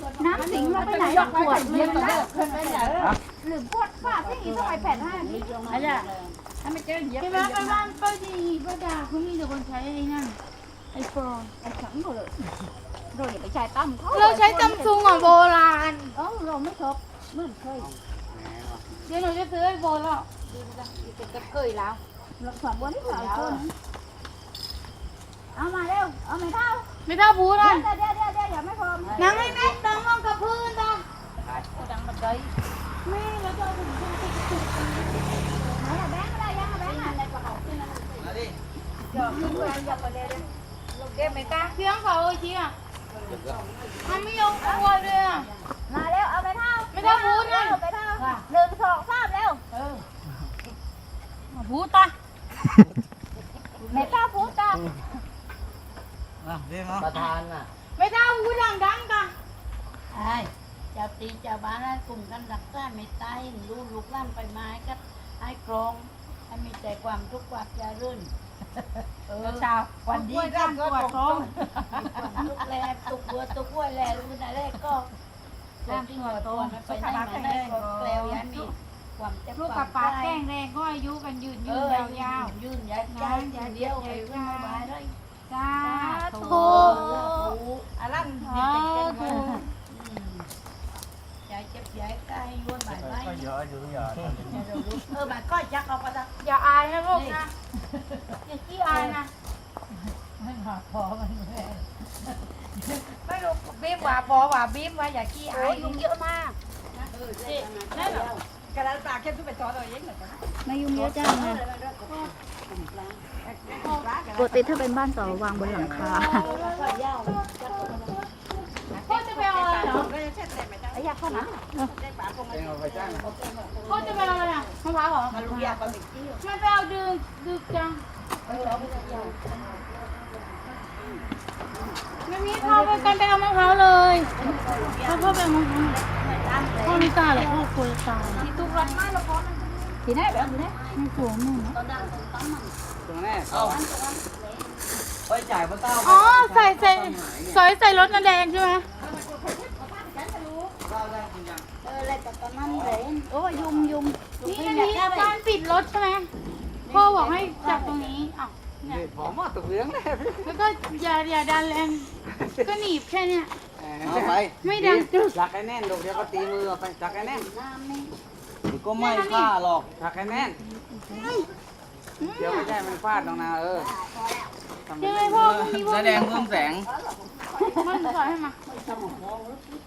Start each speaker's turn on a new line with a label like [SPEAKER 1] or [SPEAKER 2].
[SPEAKER 1] น้ำสิงเราไปไหนขวดเย็นนะหรือพวดฟาดที่ต้องไปแผ่น5นี่อะไรถ้าไม่เจอเย็บไปบ้านป้าดีป้าดาเขามีแต่คนใช้ไอ้นั่นไอโฟนไอสังหมดเลยเราอย่าไปใช้ตั้มเราใช้ซัมซุงของโบราณเราไม่ชอบเมื่อเคยเดี๋ยวหนูจะซื้อไอโฟนแล้วจะเคยแล้วเราสองวันที่สองคนเอามาเร็วเอาไม่เท่าบูนะเดี๋ยวอย่าไม่พอนั่งให้แม่ดังลงกับพื้นดังบันไดแม่แล้วจะถึงไหนอะแบงค์อะไรยังอะแบงค์อะไรกระเป๋าขึ้นนะเดี๋ยวขึ้นไปอย่าไปเลยลูกเก็บไม่กล้าเพียงเขาเชี่ยทำไม่ยอมกลัวเลยอะมาเร็วเอาไม่เท่าบูนะไปเท่า1 2 3เร็วบูตาไม่เท่าบูตา
[SPEAKER 2] ประธานน่ะ
[SPEAKER 1] ไม่เท่าบูดังกัน
[SPEAKER 3] ไอ้เจ้าตีเจ้าบ้านให้กลุ่มกันรักษาไม่ตายรู้ลูกหล้านไปไม้ก็ให้กรองให้มีแต่ความทุกข์ความเจริญ
[SPEAKER 1] ชาววันดีก็ปวดท้อง
[SPEAKER 3] ทุกแลตุกบัวตุกกล้วยแลรู้นะแรกก็ร่างที่หัวโตมันไปได้มาได้ก็แกล้วยันมีความเจ็บลูกกับปากแก้งแรงก็อายุกันยืนยาว
[SPEAKER 1] ๆ
[SPEAKER 3] ยืนยาวเดียวไปขึ้นมาบ้านเลย
[SPEAKER 1] จ้า
[SPEAKER 3] ถูอารันถูยายเจ็บยายใกล้ย้วนบ่ายไว้
[SPEAKER 2] เยอะอยู่เยอะ
[SPEAKER 3] บ่ายก็จักเอาไปละ
[SPEAKER 1] อย่าอายนะลูกนะอย่าขี้อายนะ
[SPEAKER 3] ไม่มาพอมัน
[SPEAKER 1] ไม่รู้บีบว่าพอว่าบีบว่าอย่าขี้อายยุงเยอะมาก
[SPEAKER 3] นั่นเหรอกระดาษปากเข้มทุกไปต่อเลยยังเหรอ
[SPEAKER 1] ไม่ยุงเยอะจังนะปกติถ้าเป็นบ้านต่อวางบนหลังคาพ่อจะไปเอาอะไรเหรอไอ้ยาข้าวหนาพ่อจะไปเอาอะไรอ่ะมะพร้าวเหรอ
[SPEAKER 3] มาลุยยาปลาหมึก
[SPEAKER 1] ไม่ไปเอาดึกจังไม่มีพ่อไปกันไปเอามะพร้าวเลยพ่อไปเอามะพร้าวพ่อไม่กล้าหรอกพ่อกลัวจะตายที่ตุกรันมากแล้วพ่อที่ไหนแบบนี้ไม่กลัวแม่นะ
[SPEAKER 2] ตรงนี้เอาไปจ่ายพระเต้า
[SPEAKER 1] อ๋อใส่รถน้ำแดงใช่ไหม
[SPEAKER 3] อะไรแต่ตอนนั้นเลย
[SPEAKER 1] โอ้ยุงนี่อันนี้การปิดรถใช่ไหมพ่อบอกให้จับตรงนี้อ้าว
[SPEAKER 2] เนี่ยหอมมาตุกเลี้ยงเลย
[SPEAKER 1] แล้วก็อย่าดันแรงก็หนีบแค่เนี้ย
[SPEAKER 2] เอาไป
[SPEAKER 1] ไม่ดัน
[SPEAKER 2] จักให้แน่นลูกเดี๋ยวก็ตีมือไปจักให้แน่นก็ไม่ฆ่าหรอกจักให้แน่นเดี๋ยวไม่ใช่มันฟาดตรงนา
[SPEAKER 1] ยังไงพ่อมันมีพวก
[SPEAKER 2] แสดงเพิ่มแสง
[SPEAKER 1] มันสอยให้มา